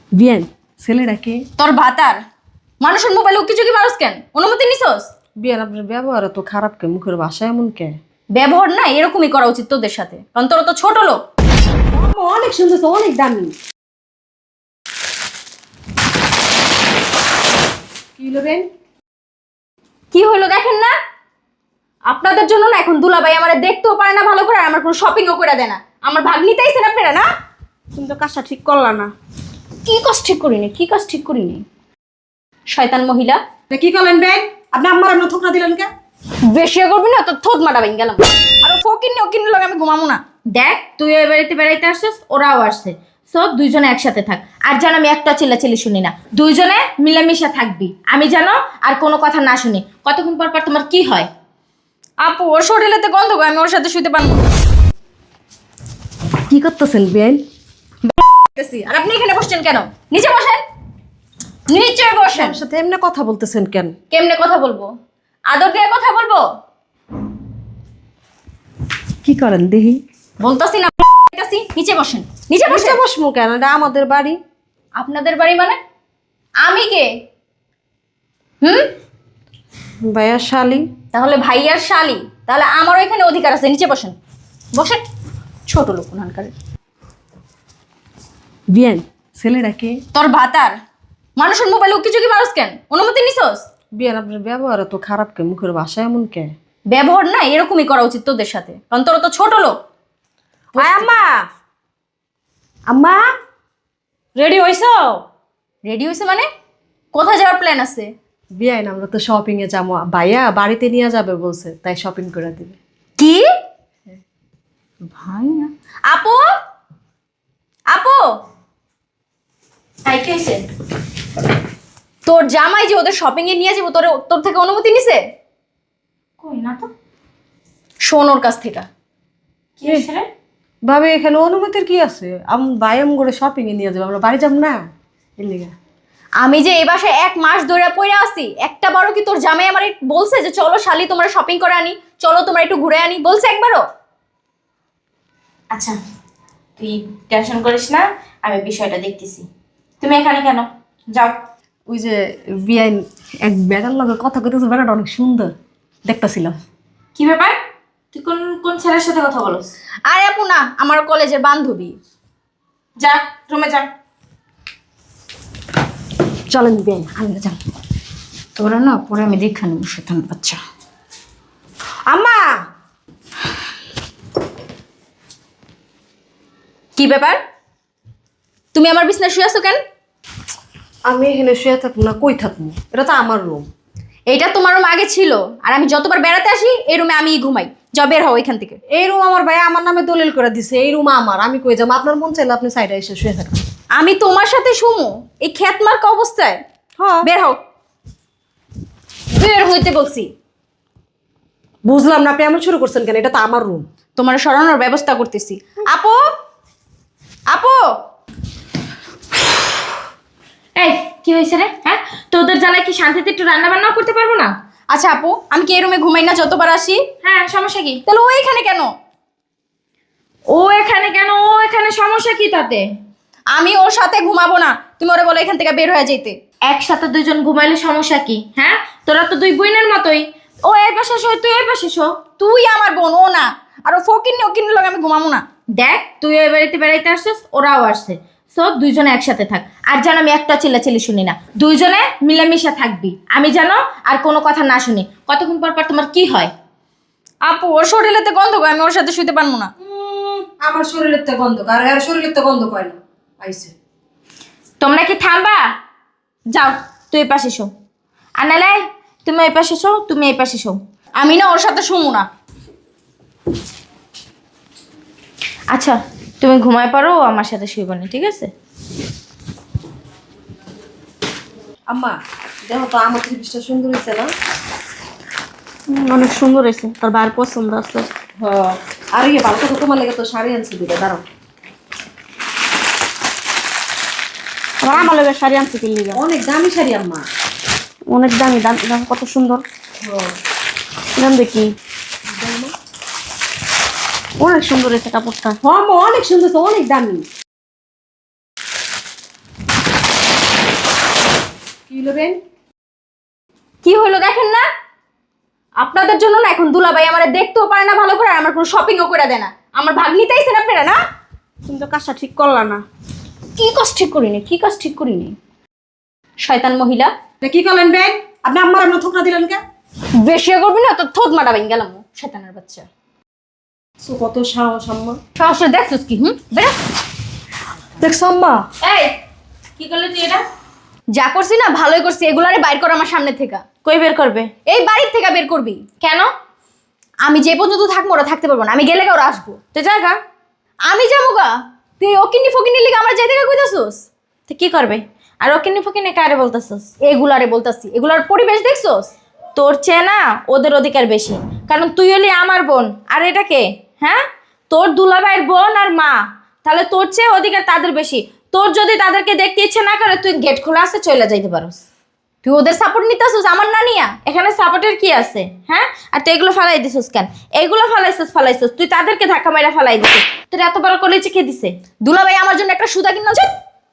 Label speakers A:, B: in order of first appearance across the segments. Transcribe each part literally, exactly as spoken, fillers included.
A: বিয়ান ছেলেটাকে
B: তোর ভাতার মানুষের মোবাইলে উকি চুকি মারস কেন? অনুমতি নিছস?
A: বিয়ান আপনার ব্যবহার তো খারাপ কে, মুখের ভাষা এমন কে?
B: ব্যবহার না এরকমই করা উচিত তোদের সাথে, কারণ তোরা তো ছোট লোক।
A: অনেক সুন্দর, অনেক দামি। কি নেবেন?
B: কি হলো দেখেন না? আপনাদের জন্য না এখন দুলাভাই আমারে দেখতেও পারে না ভালো করে, আর আমার কোনো শপিংও করে দেয় না। আমার ভাগ নিতেইছেন আপনারা না?
A: তুমি তো কাজটা ঠিক করলা না।
B: কি কাজ ঠিক করিনি? কি কাজ ঠিক করিনি? শয়তান মহিলা।
A: কি করলেন বেন? আপনি আমার এমন থোকরা দিলেন কে?
B: বেশি করবি না তো থোত মারা বাইন গেলাম। আর ফকির নি ওকির লগে আমি ঘুমামো না। দেখ তুই ওই বাড়িতে বেড়াইতে আসছিস, ওরাও আসছে, সব দুইজনে একসাথে থাক। আর যেন আমি একটা চিল্লাচিল্লি শুনি না, দুইজনে মিলেমিশে থাকবি। আমি যেন আর কোনো কথা না শুনি। কতক্ষণ পর পর তোমার কি হয়? আপু ওর শরীরেতে গন্ধ গো, আমি ওর সাথে শুতে পারবো না।
A: কি করতেছেন বেন?
B: আর আপনি এখানে বসছেন কেন? নিচে বসেন, নিচে বসেন।
A: আমার সাথে এমনি কথা বলতেছেন কেন?
B: কেমনে কথা বলবো? আদর দিয়ে কথা বলবো?
A: কি করেন দেখি?
B: বলতাছি না, বলতাছি নিচে বসেন। নিচে
A: বসে
B: বসে
A: বসমু কেন? এটা আমাদের বাড়ি।
B: আপনাদের বাড়ি মানে? আমি কে? হুম?
A: ভাইয়া শালি।
B: তাহলে ভাইয়ার শালি, তাহলে আমারও এখানে অধিকার আছে। নিচে বসেন, বসেন। ছোট লোক ওনানকার।
A: বিয়ান ছেলেটাকে
B: তোর ভাতার মানুষের মোবাইলে উকি চুকি মারস কেন? অনুমতি নিছস?
A: বিয়ান আপনার ব্যবহার তো খারাপ কে, মুখের ভাষা এমন কে?
B: ব্যবহার না এরকমই করা উচিত তোদের সাথে, কারণ তোরা তো ছোট লোক।
A: আয় আম্মা, আম্মা রেডি হইছো?
B: রেডি হয়েছে মানে? কোথায় যাওয়ার প্ল্যান আছে?
A: বিয়ান আমরা তো শপিং এ যাবো, ভাইয়া বাড়িতে নিয়ে যাবে বলছে, তাই শপিং করে দিবে।
B: কি ভাই না? আপু, আপু, তাই কি হয়েছে? তোর জামাই যে ওদের শপিং এ নিয়ে যাবো, তোর তোর থেকে অনুমতি নিছে? কই না তো, শোন ওর কাছ থেকে। কি হয়েছে রে?
A: ভাবে এখানে অনুমতির কি আছে? আম ভাই আম করে শপিং এ নিয়ে যাবো, আমরা বাড়ি যাব না এর লিগা।
B: আমি যে এই বাসায় এক মাস ধরে পড়ে আছি, একটা বারও কি তোর জামাই আমার বলছে যে চলো শালি তোমরা শপিং করে আনি, চলো তোমরা একটু ঘুরে আনি? বলছে একবারও?
C: আচ্ছা তুই টেনশন করিস না, আমি বিষয়টা দেখতেছি। তুমি এখানে কেন? যাও।
A: ওই যে বিয়ান এক বেড়ার লগে কথা কইতেছে, বেড়াটা অনেক সুন্দর দেখতেছিলাম।
C: কি ব্যাপার? তুই কোন কোন ছেলের সাথে কথা বলস?
B: আরে আপু না, আমার কলেজের বান্ধবী।
C: যা রুমে যা।
A: চলেন বিয়ান
B: আমরা যান। তোরা না পরে আমি দেখা নেব, শয়তান বাচ্চা।
A: আম্মা।
B: কি ব্যাপার? তুমি আমার বিছনায় শুয়ে আছো কেন?
A: আমি এখানে শুয়ে থাকবো না, কই থাকবো? এটা তো আমার রুম।
B: এইটা তোমার রুম আগে ছিল, আর আমি যতবার বেড়াতে আসি এই রুমে আমিই ঘুমাই। যা বের হও এখান থেকে।
A: এই রুম আমার ভাই আমার নামে দলিল করে দিছে, এই রুম আমার। আমি কই যাবো? আপনার মন চাইলে আপনি সাইডে এসে শুয়ে থাকেন।
B: আমি তোমার সাথে শুমু এই খ্যাত মার্কা অবস্থায়?
A: হ্যাঁ
B: বের হও, বের হইতে বলছি।
A: বুঝলাম না, আপনি এমন শুরু করছেন কেন? এটা তো আমার রুম।
B: তোমার সরানোর ব্যবস্থা করতেছি। আপু, আপু,
C: এই কি হয়েছে রে? হ্যাঁ, তোদের জ্বালায় কি শান্তিতে একটু রান্না বান্নাও করতে পারবো না?
B: আচ্ছা আপু, আমি কি এই রুমে ঘুমাই না যতবার আসি?
C: হ্যাঁ, সমস্যা কি?
B: তাহলে ও এখানে কেন?
C: ও এখানে কেন? ও এখানে সমস্যা কি তাতে?
B: আমি ওর সাথে ঘুমাবো না, তুমি ওরে বলো এখান থেকে বের হয়ে যেতে।
C: একসাথে দুইজন ঘুমাইলে সমস্যা কি? হ্যাঁ, তোরা তো দুই বোনের মতোই। ও এই পাশে শো, তুই এই পাশে শো।
B: তুই আমার বোন, ও না। আর ও ফকির নি ওকির লগে আমি ঘুমাবো না।
C: দেখ তুই ওই বাড়িতে বেড়াইতে আসছিস, ওরাও আসছে, সব দুইজনে একসাথে থাক। আর যেন আমি একটা চিল্লাচিল্লি শুনি না, দুইজনে মিলেমিশে থাকবি। আমি যেন আর কোনো কথা না শুনি। কতক্ষণ পর পর তোমার কি হয়?
B: আপু ওর শরীরেতে গন্ধ গো, আমি ওর সাথে শুতে পারবো না।
A: আমার শরীরের তো গন্ধ, আর এর শরীরের তো গন্ধ কয় না। আইছে
C: তোমরা কি থামবা? যাও তুই এই পাশে শো, আর নালে তুমি এই পাশে শো, তুমি এই পাশে শো।
B: আমি না ওর সাথে শুমু না।
C: আচ্ছা তুমি ঘুমায় পারো, আমার সাথে শুইব না, ঠিক আছে?
A: আম্মা দেখো তো আমার জিনিসটা সুন্দর হয়েছে না?
C: অনেক সুন্দর হয়েছে, তোর বার পছন্দ আছে।
A: হ্যাঁ, আর ইয়ে ভালো কথা, তোমার লেগে তো শাড়ি আনছি দিবে, দাঁড়াও।
C: আমার আমার লোকের শাড়ি আনছে কিনলি?
A: অনেক দামি শাড়ি আম্মা।
C: অনেক দামি, দাম দাম কত সুন্দর।
A: হ্যাঁ,
C: দাম দেখি। অনেক সুন্দর হয়েছে কাপড়টা।
A: হ্যাঁ আম্মা, অনেক সুন্দর, অনেক দামি। নেবেন?
B: কি হলো দেখেন না? আপনাদের জন্য না এখন দুলাভাই আমার দেখতেও পারে না ভালো করে, আর আমার কোনো শপিংও করে দেয় না। আমার ভাগ নিতেইছেন আপনারা না?
A: তুমি তো কাজটা ঠিক করলা না।
B: কি কাজ ঠিক করিনি? কি কাজ ঠিক করিনি? শয়তান মহিলা।
A: তা কি করলেন ব্যাগ? আপনি আম্মার এমন থোকরা দিলেন কে?
B: বেশি করবি না তো থোত মারা বাইন গেলাম। শয়তানের বাচ্চা।
A: সো কত সাহস আম্মা।
B: সাহসে দেখছিস কি? হুম, বেরা।
A: দেখছো আম্মা?
B: এই কি করলি তুই এটা? যা করছি না ভালোই করছি, এগুলারে বাইর কর আমার সামনে থেকে।
C: কই বের করবে?
B: এই বাড়ির থেকে বের করবি। কেন? আমি যে পর্যন্ত থাকবো ওরা থাকতে পারবো না, আমি গেলে ওরা আসবো।
C: তুই জায়গা
B: আমি যাবো গা? তুই ওকিনি ফকিনি লিগে আমার যাইতে কইতাছস?
C: তুই কি করবে? আর ওকিনি ফকিনি কারে বলতেছস?
B: এগুলারে বলতাছি, এগুলার পরিবেশ দেখছস?
C: তোর চেয়ে না ওদের অধিকার বেশি, কারণ তুই হলি আমার বোন। আর এটা কে? হ্যাঁ, তোর দুলাভাইয়ের বোন আর মা, তাহলে তোর চেয়ে অধিকার তাদের বেশি। তোর যদি তাদেরকে দেখতে ইচ্ছে না করে তুই গেট খোলা আছে চলে যাইতে পারোস।
B: তুই ওদের সাপোর্ট নিতেছস আমার না নিয়া?
C: এখানে সাপোর্টের কি আছে? হ্যাঁ, আর তুই এগুলো ফালাই দিছিস কেন? এগুলো ফালাইছিস ফালাইছিস তুই তাদেরকে ধাক্কা মাইরা ফালাই দিছিস। তোর এত বড় কলেজে কে দিছে?
B: দুলাভাই আমার জন্য একটা সুতা কিনা আছে,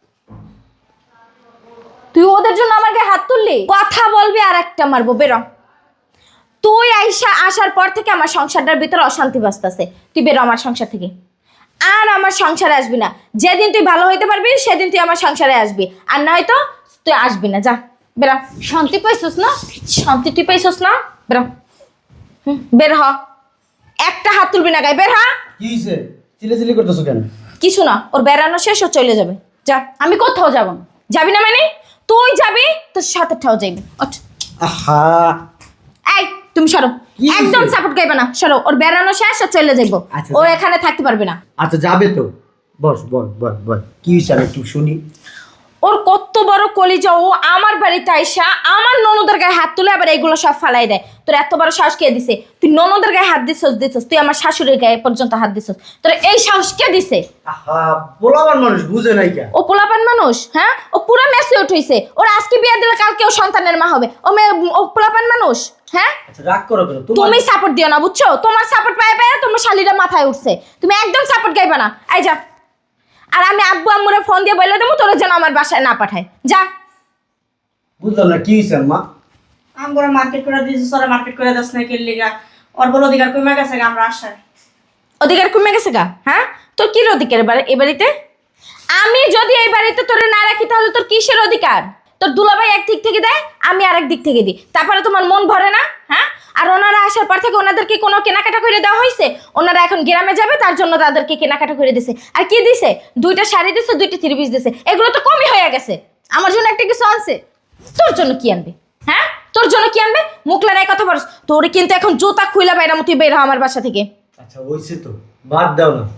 B: তুই ওদের জন্য আমার গায়ে হাত তুললি?
C: কথা বলবি আর একটা মারবো, বেরো। তুই আইসা আসার পর থেকে আমার সংসারটার ভিতরে অশান্তি বাজতেছে। তুই বেরো আমার সংসার থেকে, আর আমার সংসারে আসবি না। যেদিন তুই ভালো হইতে পারবি সেদিন তুই আমার সংসারে আসবি, আর নয়তো তুই আসবি না। যা বেরো।
B: শান্তি পাইছস না?
C: শান্তি তুই পাইছস না? বেরো। হুম, বের হ। একটা হাত তুলবি না গায়ে, বের হ।
D: কি হইছে? চিল্লাচিল্লি করতেছো কেন?
C: কিছু না, ওর বেড়ানো শেষ, ও চলে যাবে। যা।
B: আমি কোথাও যাব না।
C: যাবি না মানে? তুই যাবি, তোর সাথে ঠাও যাইবি। ওঠ।
D: আহা,
C: এই তুমি সরো,
D: কি হইছে?
C: একদম সাপোর্ট গাইবে না। সরো, ওর বেড়ানো শেষ, ও চলে যাইবো।
D: আচ্ছা,
C: ও
D: যা।
C: এখানে থাকতে পারবে না।
D: আচ্ছা যাবে তো। বস বস বস বস কি হইছে আমি একটু শুনি।
C: ওর কত বড় কলিজা, ও আমার বাড়িতে আইসা আমার ননদের গায়ে হাত তুলে আবার এগুলো সব ফালাই দেয়। তোর এত বড় সাহস কে দিছে? তুই ননদের গায়ে হাত দিছস দিছস তুই আমার শাশুড়ির গায়ে পর্যন্ত হাত দিছস। তোর এই সাহস কে দিছে?
D: আহা, বলাবার মানুষ বুঝে নাই কেন?
C: ও পোলাপান মানুষ, হ্যাঁ? ও পুরো মেসে উঠইছে। ওর আজকে বিয়ে দিলে কালকে ও সন্তানের মা হবে। ও মেয়ে, ও পোলাপান মানুষ, হ্যাঁ?
D: আচ্ছা রাগ করো কেন? তোমার
C: তুমি সাপোর্ট দিও না, বুঝছো? তোমার সাপোর্ট পায় পায় তোমার শালিরা মাথায় উঠছে। তুমি একদম সাপোর্ট গাইবা না। আই যা। আর আমি আব্বু আম্মুরে ফোন দিয়ে বলে দেবো তোরা যেন আমার বাসায় না পাঠায়। যা।
D: বুঝলাম না কি হইছে আম্মা?
A: আমরা মার্কেট করে দিয়েছি, সরে মার্কেট করে দাস না কি লিগা? ওর বড় অধিকার কমে গেছে গা, আমরা আসায়।
C: অধিকার কমে গেছে গা? হ্যাঁ, তোর কি অধিকার এবার এই বাড়িতে? আমি যদি এই বাড়িতে তোরে না রাখি তাহলে তোর কিসের অধিকার? তোর দুলাভাই এক দিক থেকে দেয়, আমি আরেক দিক থেকে দিই, তারপরে তোমার মন ভরে না? হ্যাঁ, আর ওনারা আসার পর থেকে ওনাদেরকে কোনো কেনাকাটা করে দেওয়া হয়েছে? ওনারা এখন গ্রামে যাবে তার জন্য তাদেরকে কেনাকাটা করে দিছে। আর কি দিছে? দুইটা শাড়ি দিছে, দুইটা থ্রি পিস দিছে। এগুলো তো কমই হয়ে গেছে।
B: আমার জন্য একটা কিছু আনছে?
C: তোর জন্য কি আনবে? হ্যাঁ, তোর জন্য কি আনবে? মুখ লড়াই কথা বলছ। তোরে কিন্তু এখন জুতা খুইলা বাইরা মতো বের হ আমার বাসা থেকে।
D: আচ্ছা হইছে তো, বাদ দাও না।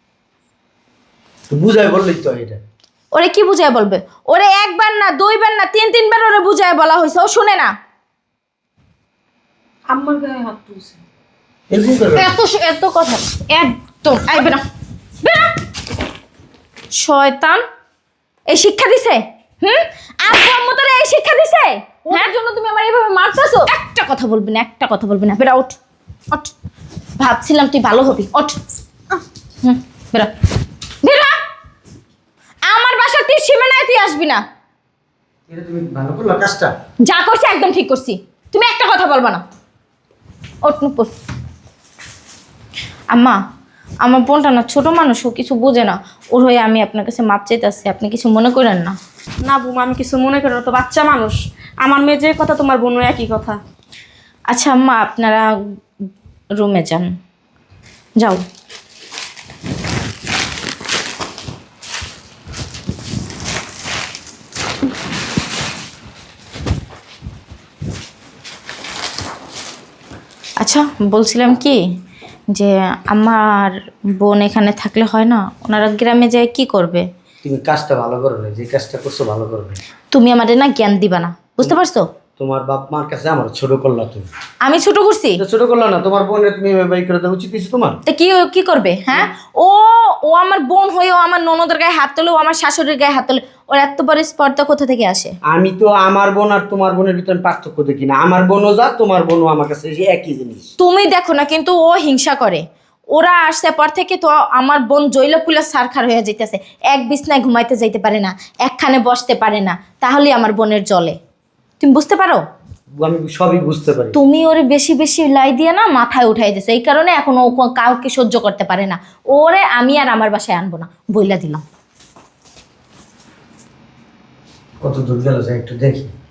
D: তো বুঝাই বললেই তো এটা।
C: ওরে কি বুঝায় বলবে? ওরে একবার না দুইবার না তিন তিনবার ওরে বুঝায় বলা হয়েছে, ও শুনে না।
A: আম্মার গায়ে হাত তুলছে।
D: এরকম করো না।
C: এত এত কথা একদম আইবে না, বেরা। শয়তান, এই শিক্ষা দিছে? হুম, আব্বু আম্মু তোরে এই শিক্ষা দিছে?
B: ওর জন্য তুমি আমার এইভাবে মারতেছো?
C: একটা কথা বলবি না, একটা কথা বলবি না। বেরা, ওঠ ওঠ। ভাবছিলাম তুই ভালো হবি। ওঠ। হুম, বেরা বেরা। আমার বাসার তুই সীমানায় তুই আসবি না।
D: এটা তুমি ভালো করলা কাজটা?
C: যা করছি একদম ঠিক করছি। তুমি একটা কথা বলবা না। ওঠ নুপুর। আম্মা, আমার বোনটা না ছোট মানুষ, ও কিছু বোঝে না। ওর হয়ে আমি আপনার কাছে মাপ চাইতেছি, আপনি কিছু মনে করেন না।
A: না বুমা, আমি কিছু মনে করি না, তো বাচ্চা মানুষ। আমার মেয়ে যে কথা তোমার বোনও একই কথা।
C: আচ্ছা আম্মা, আপনারা রুমে যান, যাও। আচ্ছা বলছিলাম কি, যে আমার বোন এখানে থাকলে হয় না? ওনারা গ্রামে যায় কি করবে?
D: তুমি কাজটা ভালো করো না, যে কাজটা করছো ভালো করবে।
C: তুমি আমাদের না জ্ঞান দিবা না, বুঝতে পারছো?
D: তোমার বাপ মার কাছে আমার ছোট করলা তুমি।
C: আমি ছোট করছি?
D: এটা ছোট করলা না, তোমার বোনের তুমি বাই করে দেওয়া উচিত কিছু তোমার।
C: তা কি কি করবে? হ্যাঁ, ও ও আমার বোন হয়েও আমার ননদের গায়ে হাত তোলে, ও আমার শাশুড়ির গায়ে হাত তোলে। ওর এত বড় স্পর্ধা কোথা থেকে আসে?
D: আমি তো আমার বোন আর তোমার বোনের ভিতরে পার্থক্য দেখি না। আমার বোনও যা, তোমার বোনও আমার কাছে সেই একই জিনিস।
C: তুমি দেখো না, কিন্তু ও হিংসা করে। ওরা আসছে পর থেকে তো আমার বোন জৈলা পুলা সারখার হয়ে যাইতেছে। এক বিছনায় ঘুমাইতে যাইতে পারে না, একখানে বসতে পারে না, তাহলে আমার বোনের জলে।
B: তুমি বুঝতে পারো?
D: আমি সবই বুঝতে পারি।
B: তুমি ওরে বেশি বেশি লাই দিয়ে না মাথায় উঠাই দিছো, এই কারণে এখন ও ক- কাউকে সহ্য করতে পারে না। ওরে আমি আর আমার বাসায় আনবো না, বইলা দিলাম।
D: কত দূর গেল একটু দেখি।